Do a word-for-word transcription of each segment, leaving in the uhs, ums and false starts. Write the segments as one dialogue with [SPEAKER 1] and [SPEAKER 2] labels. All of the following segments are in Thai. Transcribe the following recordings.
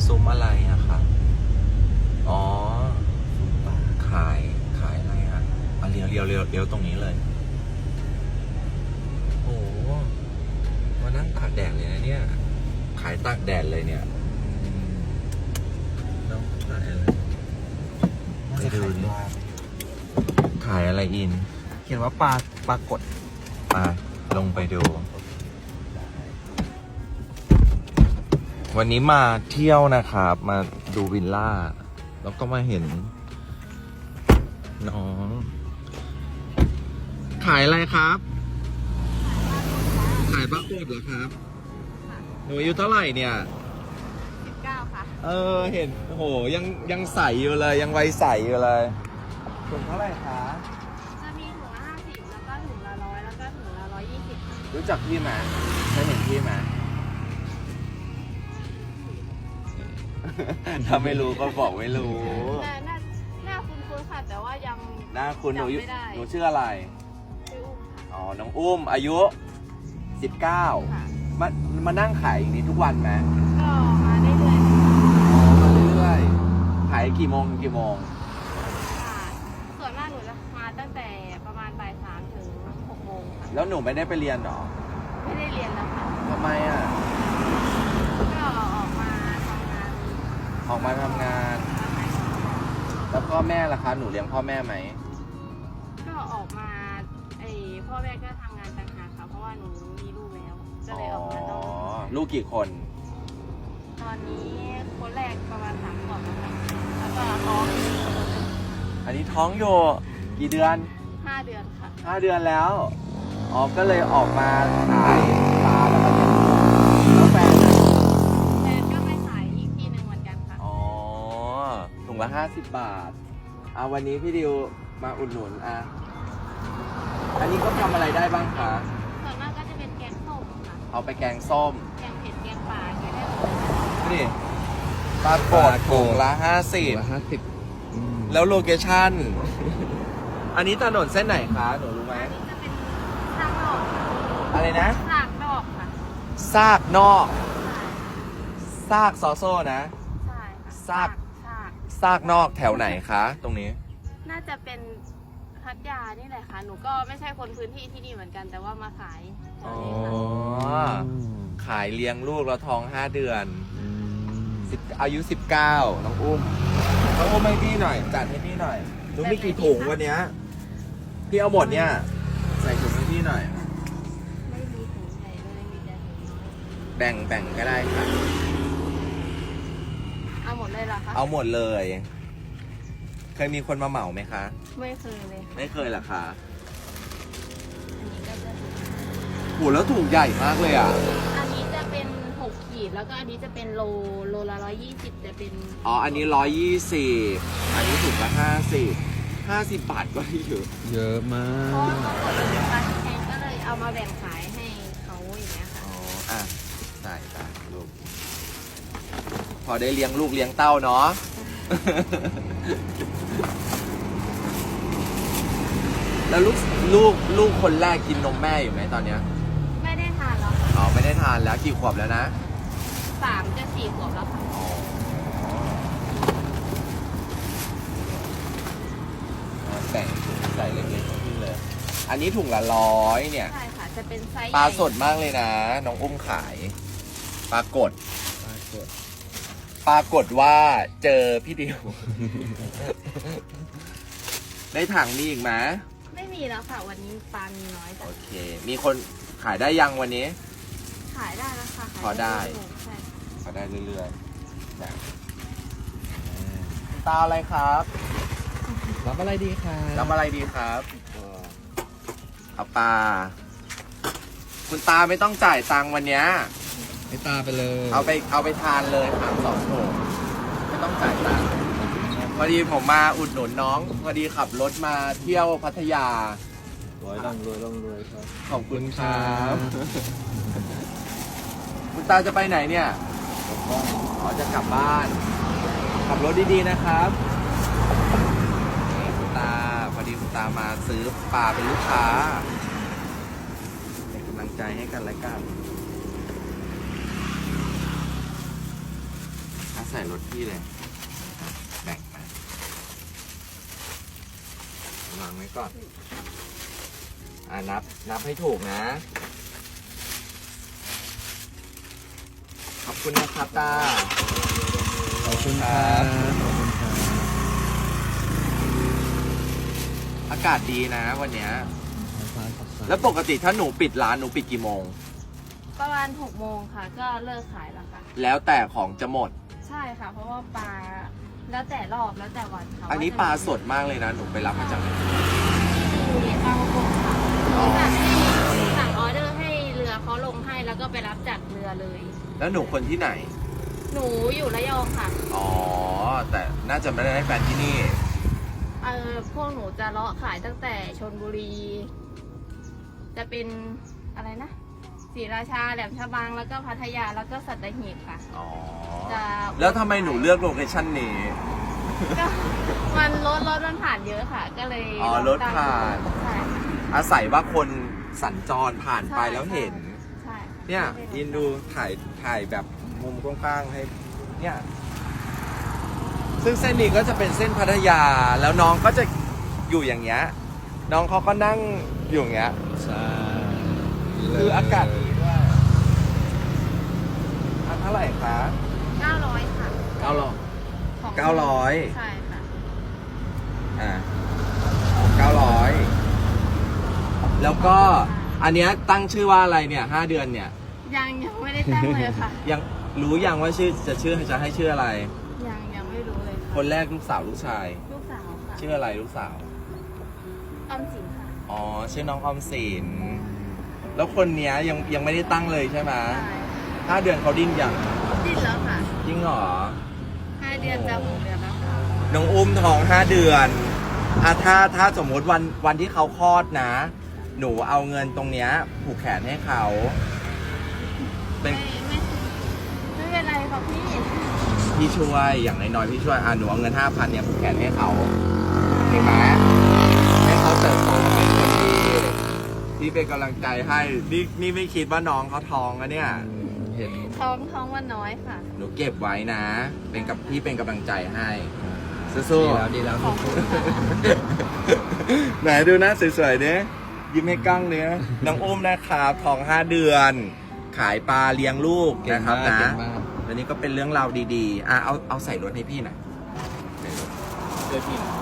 [SPEAKER 1] ซุ้มอะไรอะครับอ๋อขายขายอะไรอะอ่ะเลี้ยวเลี้ยวเลี้ยวเลี้ยวตรงนี้เลยโอ้มานั่งตากแดดเลยนะเนี่ยขายตากแดดเลยเนี่ยน้องขายอะไรไปดูดิขายอะไรอิน
[SPEAKER 2] เขียนว่าปลาปลากด
[SPEAKER 1] มาลงไปดู วันนี้มาเที่ยวนะครับมาดูวิลล่าแล้วก็มาเห็นน้องขายอะไรครับขายปลากดเหรอครับหนูอายุเท่าไหร่เนี่ย
[SPEAKER 3] สิบเก้าค่ะ
[SPEAKER 1] เออเห็นโอ้โหยังยังใสอยู่เลยยังวัยใสอยู่เลยถุงเท่าไหร่คะ
[SPEAKER 3] จะมีถุงละห้าสิบแล้วก็ถุงละร้อยแล้วก็ถุงละร้อยยี่สิบค่ะ
[SPEAKER 1] รู้จักพี่ไหมเคยเห็นพี่ไหมถ้าไม่รู้ก็บอกไม่รู้
[SPEAKER 3] หน้าหน้าหน้าคุ้นๆค่ะแต่ว่ายัง
[SPEAKER 1] หน้าคุณหนู
[SPEAKER 3] จำไม่ได้
[SPEAKER 1] หนูชื่ออะไร
[SPEAKER 3] ชื่ออุ้มค่ะ
[SPEAKER 1] อ๋อน้องอุ้มอายุสิบเก้า
[SPEAKER 3] ค่ะ
[SPEAKER 1] มามานั่งขายอย่างนี้ทุกวันไหม
[SPEAKER 3] ก็มาเรื่อยๆ
[SPEAKER 1] อ๋อมาเรื่อยๆขายกี่โมงถึงกี่โมง
[SPEAKER 3] ค่ะส่วนมากหนูจะมาตั้งแต่ประมาณบ่ายสามถึงหกโมงค่ะ
[SPEAKER 1] แล้วหนูไม่ได้ไปเรียนหรอ
[SPEAKER 3] ไม่ได้เรียนแล้วค่ะ
[SPEAKER 1] ทำไมอ่ะ
[SPEAKER 3] ก็ออกมาทำงาน
[SPEAKER 1] ออกมาทำงานแล้วพ่อแม่ล่ะคะหนูเลี้ยงพ่อแม่ไหม
[SPEAKER 3] ก็ออกมาไอพ่อแม่ก็ทำงานต่างหากค่ะเพราะว่าหนูมีลูกแล้วก็เลยออกมา
[SPEAKER 1] อ๋อ
[SPEAKER 3] ต้อง
[SPEAKER 1] ลูกกี่คน
[SPEAKER 3] ตอนนี้คนแรกประมาณสามขวบแล้วค่ะแล้วก็ท้องอีกคนนึง
[SPEAKER 1] อันนี้ท้องอยู่กี่เดือน
[SPEAKER 3] ห้าเดือนค่ะ
[SPEAKER 1] ห้าเดือนแล้วอ๋อก็เลยออกมาขายปลาแล้วก็เลี้ยงลูกแล้วแฟนอะ
[SPEAKER 3] แฟนก็ไปขายอีกที่หนึ่งเหมือนกันค่ะ
[SPEAKER 1] อ๋อถุงละห้าสิบบาทอ่ะวันนี้พี่ดิวมาอุดหนุนอ่ะอันนี้ก็ทำอะไรได้บ้างคะ
[SPEAKER 3] ส่วนมากก็จะเป็นแกงส้มค่ะ
[SPEAKER 1] เอาไปแกงส้ม
[SPEAKER 3] แกงเผ็ดแกงป่าแกงได้หมดเลย
[SPEAKER 1] นี่ปลากดถุงละห้าสิบ
[SPEAKER 2] ห้าสิบ
[SPEAKER 1] แล้วโลเคชั่น อันนี้ถนนเส้นไหนคะหนูรู้ไหม
[SPEAKER 3] อันนี้จะเป็นซากนอกค่ะ
[SPEAKER 1] อะไรนะ
[SPEAKER 3] ซากนอกค่ะ
[SPEAKER 1] ซากนอกซากซอโซ่นะ
[SPEAKER 3] ใช่ค่ะ
[SPEAKER 1] ซาก
[SPEAKER 3] ซาก
[SPEAKER 1] ซากนอกแถวไหนคะตรงนี้
[SPEAKER 3] น่าจะเป็นพัทยานี่แหละค่ะหนูก็ไม่ใช่คนพื้นที่ที่นี่เหมือนกันแต่ว่ามาขายแถ
[SPEAKER 1] อ๋
[SPEAKER 3] ว
[SPEAKER 1] อ
[SPEAKER 3] นี้ค่ะ
[SPEAKER 1] ขายเลี้ยงลูกแล้วท้องห้าเดือนสิบอายุสิบเก้าน้องอุ้มน้องอุ้มให้พี่หน่อยจัดให้พี่หน่อยหนูมีกี่ถุงวันเนี้ยพี่เอาหมดเนี่ยใส่ถุงให้พี่หน่อย
[SPEAKER 3] ไม่มีถุงใหญ่เลยมีแต่ถุงน้อย
[SPEAKER 1] แบ่งแบ่งก็ได้ค่ะ
[SPEAKER 3] เอาหมดเลยเหรอคะ
[SPEAKER 1] เอาหมดเลยเคยมีคนมาเหมาไหมคะ
[SPEAKER 3] ไม่เคยเลย
[SPEAKER 1] ไม่เคยเหรอคะ
[SPEAKER 3] อันนี้ก็จะ
[SPEAKER 1] โหแล้วถุงใหญ่มากเลยอ่ะ
[SPEAKER 3] อันนี้จะเป็นหกขีดแล้วก็อันนี้จะเป็นโลโลละร้อยยี่สิบจะเป็น
[SPEAKER 1] อ๋ออันนี้ร้อยยี่สิบอันนี้ถุงละห้าสิบห้าสิบบาทก็ได้เยอะ
[SPEAKER 2] เยอะมา
[SPEAKER 3] เพราะ
[SPEAKER 2] ก
[SPEAKER 3] ว่าเขากดราคาแพงก็เลยเอามาแบ่งขายให้เขาอย่างเงี้ยค่ะ
[SPEAKER 1] อ๋ออ่ะใช่ใช่ลูกพอได้เลี้ยงลูกเลี้ยงเต้าเนาะ แล้วลูกลูกลูกคนแรกกินนมแม่อยู่ไหมตอนเนี้ย
[SPEAKER 3] ไม่ได้ทานแล้วค่ะ
[SPEAKER 1] อ๋อไม่ได้ทานแล้วกี่ขวบแล้วนะ
[SPEAKER 3] สามจะสี่ขวบแล้วค่ะ
[SPEAKER 1] แบ่งใส่เล็กๆขึ้นเลยอันนี้ถุงละร้อยเนี่ย
[SPEAKER 3] ใช่ค่ะจะเป็นไซส์
[SPEAKER 1] ปลาสดมากเลยนะน้องอุ้มขายปลากด
[SPEAKER 2] ปลากด
[SPEAKER 1] ปรากฏว่าเจอพี่ดิว ในถังมีอีกไหม
[SPEAKER 3] ไม่มีแล้วค่ะวันนี้ปลามีน้อยจ้ะ
[SPEAKER 1] โอเคมีคนขายได้ยังวันนี้
[SPEAKER 3] ขายได้แล้วค่ะ
[SPEAKER 1] พอได้
[SPEAKER 3] ใช่
[SPEAKER 1] พอได้เรื่อยๆแบบตาอะไรครับ
[SPEAKER 2] รับอะไรดีครับ
[SPEAKER 1] รับอะไรดีครับเอาปลาคุณตาไม่ต้องจ่ายตังค์วันนี้
[SPEAKER 2] ให้ตาไปเลย
[SPEAKER 1] เอาไปเอาไปทานเลยครับสองโถไม่ต้องจ่ายตังค์พอดีผมมาอุดหนุนน้องพอดีขับรถมาเที่ยวพัทยาร
[SPEAKER 2] วยร่ำรวยร่ำรวยครับ
[SPEAKER 1] ขอบคุณครับคุณตาจะไปไหนเนี่ยอ๋อจะกลับบ้านขับรถดีๆนะครับคุณตาพอดีคุณตามาซื้อปลาเป็นลูกค้าเป็นกำลังใจให้กันและกันใส่รถพี่เลยแบ่งมาวางไว้ก่อน อ่านับ นับให้ถูกนะ ขอบคุณนะครับตา
[SPEAKER 2] ขอบคุณครับขอบคุณครับ
[SPEAKER 1] อากาศดีนะวันเนี้ย
[SPEAKER 2] ฟ้าสดใส
[SPEAKER 1] แล้วปกติถ้าหนูปิดร้านหนูปิดกี่โมง
[SPEAKER 3] ประมาณหกโมงค่ะ ก็เลิกขายแล้วค่ะ
[SPEAKER 1] แล้วแต่ของจะหมด
[SPEAKER 3] ใช่ค่ะ เพราะว่าปลาแล้วแต่รอบแล้วแต่วันค่ะ
[SPEAKER 1] อันนี้ปลาสดมากเลยนะ หนูไปรับมาจากไหน
[SPEAKER 3] มีปลากระพงค่ะ
[SPEAKER 1] อ๋อ
[SPEAKER 3] สั่งให้สั่งออเดอร์ให้เรือเขาลงให้แล้วก็ไปรับจากเรือเลย
[SPEAKER 1] แล้วหนูคนที่ไหน
[SPEAKER 3] หนูอยู่ระยองค่ะ
[SPEAKER 1] อ๋อ แต่น่าจะไม่ได้ให้แฟนที่นี่
[SPEAKER 3] เออพวกหนูจะเลาะขายตั้งแต่ชลบุรี จะเป็นอะไรนะศรีราชาแหลมฉบังแล้วก็พัทยาแล้วก็สัตหีบค่ะ
[SPEAKER 1] อ๋อ
[SPEAKER 3] จะ
[SPEAKER 1] แล้วทำไมหนูเลือกโลเคชั่นนี้
[SPEAKER 3] ก็มันรถรถมันผ่านเยอะค่ะ ก็เลย
[SPEAKER 1] อ๋อ
[SPEAKER 3] ลง
[SPEAKER 1] รถผ่าน
[SPEAKER 3] ใช่ค่ะ
[SPEAKER 1] อาศัยว่าคนสัญจรผ่านไป
[SPEAKER 3] ใช่
[SPEAKER 1] แล้วเห็น
[SPEAKER 3] ใช่
[SPEAKER 1] เนี่ยยินดูถ่ายถ่ายแบบมุมกว้างๆให้ เนี่ย ซึ่งเส้นนี้ก็จะเป็นเส้นพัทยา แล้วน้องก็จะอยู่อย่างเงี้ย น้องเขาก็นั่งอยู่อย่างเงี้ย
[SPEAKER 2] ใช่
[SPEAKER 1] คืออากาศดีด้วยอันเท่าไหร่คะ
[SPEAKER 3] เก้าร้อยค่ะ
[SPEAKER 1] เก้าร้อย
[SPEAKER 3] ของ
[SPEAKER 1] เก้าร้อย
[SPEAKER 3] ใช่ค่ะ
[SPEAKER 1] อ่าเก้าร้อย แล้วก็อันเนี้ยตั้งชื่อว่าอะไรเนี่ยห้าเดือนเนี่ย
[SPEAKER 3] ยังยังไม่ได้ตั้งเลยค่ะ
[SPEAKER 1] ยังรู้ยังว่าชื่อจะชื่อจะให้ชื่ออะไร
[SPEAKER 3] ยังยังไม่รู้เลยค่ะ
[SPEAKER 1] คนแรกลูกสาวลูกชาย
[SPEAKER 3] ลูกสาวค่ะ
[SPEAKER 1] ชื่ออะไรลูกสาว
[SPEAKER 3] ออมสินค่ะ
[SPEAKER 1] อ๋อ ชื่อน้องออมสิน แล้วคนเนี้ยยังยังไม่ได้ตั้งเลยใช่ไหม
[SPEAKER 3] ใช่
[SPEAKER 1] ห้าเดือนเขาดิ้นยัง
[SPEAKER 3] ดิ้นแล้วค่ะ
[SPEAKER 1] จริงเหรอ
[SPEAKER 3] ห้าเดือนจะหกเดือนแล้วค่ะ
[SPEAKER 1] น้องอุ้มท้องห้าเดือนอ่ะถ้าถ้าสมมติวันวันที่เขาคลอดนะ หนูเอาเงินตรงเนี้ยผูกแขนให้เขา เป็น
[SPEAKER 3] ไม่ไม่ไม่เป็นไรค่ะพี่
[SPEAKER 1] พี่ช่วยอย่างน้อยๆพี่ช่วยอ่ะหนูเอาเงินห้าพันเนี่ยผูกแขนให้เขาเห็นไหมให้เขาเติบโตมาเป็นคนดีพี่เป็นกำลังใจให้นี่นี่ไม่คิดว่าน้องเขาท้องอะเนี่ย
[SPEAKER 2] เห็น
[SPEAKER 3] ท้องท้องวันน้อยค่ะ
[SPEAKER 1] หนูเก็บไว้นะ เป็นกับพี่เป็นกำลังใจให้
[SPEAKER 2] ดี
[SPEAKER 1] สู้
[SPEAKER 2] แล้วดีแล้ว
[SPEAKER 3] ขอบคุณค่ะ
[SPEAKER 1] ๆ ไหนดูหน้าสวยๆเนี้ยยิ้มให้กล้องเนี้ยน้องอุ้มนะครับท้องห้าเดือน ขายปลาเลี้ยงลูก
[SPEAKER 2] เก่ง
[SPEAKER 1] นะครับ
[SPEAKER 2] มาก
[SPEAKER 1] นะ
[SPEAKER 2] เก่งมาก
[SPEAKER 1] อันนี้ก็เป็นเรื่องราวดีๆอ่ะเอาเอาใส่รถให้พี่หน่อยใส่รถช่วยพี่หน่อย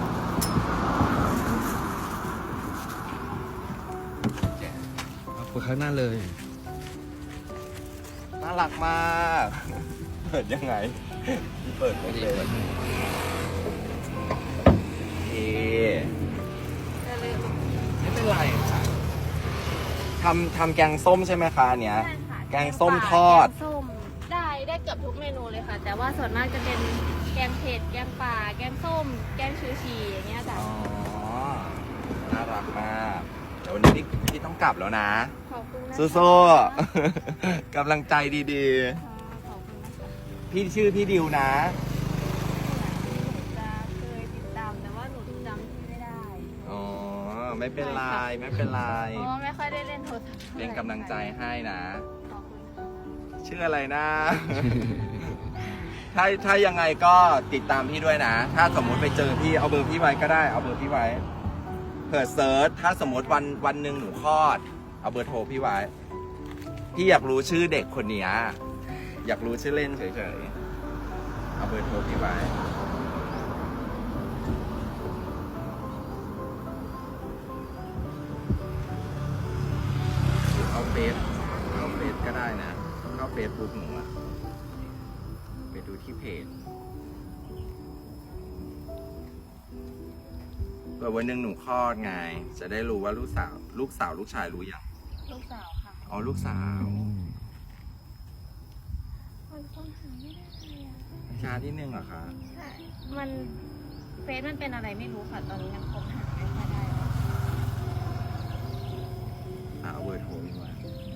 [SPEAKER 1] แกะ
[SPEAKER 2] เอาไปข้างหน้าเลย
[SPEAKER 1] น่ารักมาก เปิดยังไง เปิดไม่เลย เอ
[SPEAKER 3] จะเลย
[SPEAKER 1] ไม่เป็นไรค่ะทำทำแกงส้มใช่ไหมคะอันเนี้ย
[SPEAKER 3] ใช่ค่ะ
[SPEAKER 1] แกงส้มทอด
[SPEAKER 3] แกงส้มได้ได้เกือบทุกเมนูเลยค่ะ แต่ว่าส่วนมากจะเป็นแกงเผ็ด แกงป่า แกงส้ม แกงชูชีอย่างเงี้ยจ้ะ
[SPEAKER 1] อ๋อ น่ารักมาก เดี๋ยววันนี้พี่พี่ต้องกลับแล้วนะ
[SPEAKER 3] ขอบคุณนะคะ
[SPEAKER 1] สู้ๆ กำลังใจดี
[SPEAKER 3] ค่ะขอบคุณนะคะ
[SPEAKER 1] ๆ พี่ชื่อพี่ดิวนะ
[SPEAKER 3] จะเคยติดตามแต่ว่าหนูจำที่ไม่ได้
[SPEAKER 1] อ๋อ ไม่เป็นไร ไม่เป็นไร
[SPEAKER 3] เพราะว่าไม่ค่อยได้เล่นโทรศัพท์ท่าไหร่
[SPEAKER 1] เป็นกำลังใจให้นะ
[SPEAKER 3] ขอบคุณค่ะ
[SPEAKER 1] ชื่ออะไรนะ ถ้าถ้ายังไงก็ติดตามพี่ด้วยนะ ถ้าสมมุติไปเจอพี่เอาเบอร์พี่ไว้ก็ได้ เอาเบอร์พี่ไว้ เผื่อเซิร์ช ถ้าสมมติวันวันหนึ่งหนูคลอด เอาเบอร์โทรพี่ไว้ พี่อยากรู้ชื่อเด็กคนเนี้ยอยากรู้ชื่อเล่นเฉยๆ เอาเบอร์โทรพี่ไว้ เข้าเฟซเข้าเฟซก็ได้นะ เข้าเฟซบุ๊กหนูอะไปดูที่เพจเผื่อวันหนึ่งหนูคลอดไง จะได้รู้ว่าลูกสาว ลูกสาวลูกชายรู้ยัง
[SPEAKER 3] ลูกสาวค่ะ
[SPEAKER 1] อ๋อ ลูกสาว
[SPEAKER 3] คนคนหาไม่ได้เลยอะ
[SPEAKER 1] ช้าที่หนึ่งเหรอคะ
[SPEAKER 3] ใช่มันเฟซมันเป็นอะไรไม่รู้ค่ะ ตอนนี้ยังคบหาไม่ค่อยได้เลย
[SPEAKER 1] อ่ะเอาเบอร์โทรพี่ไว้
[SPEAKER 3] ไ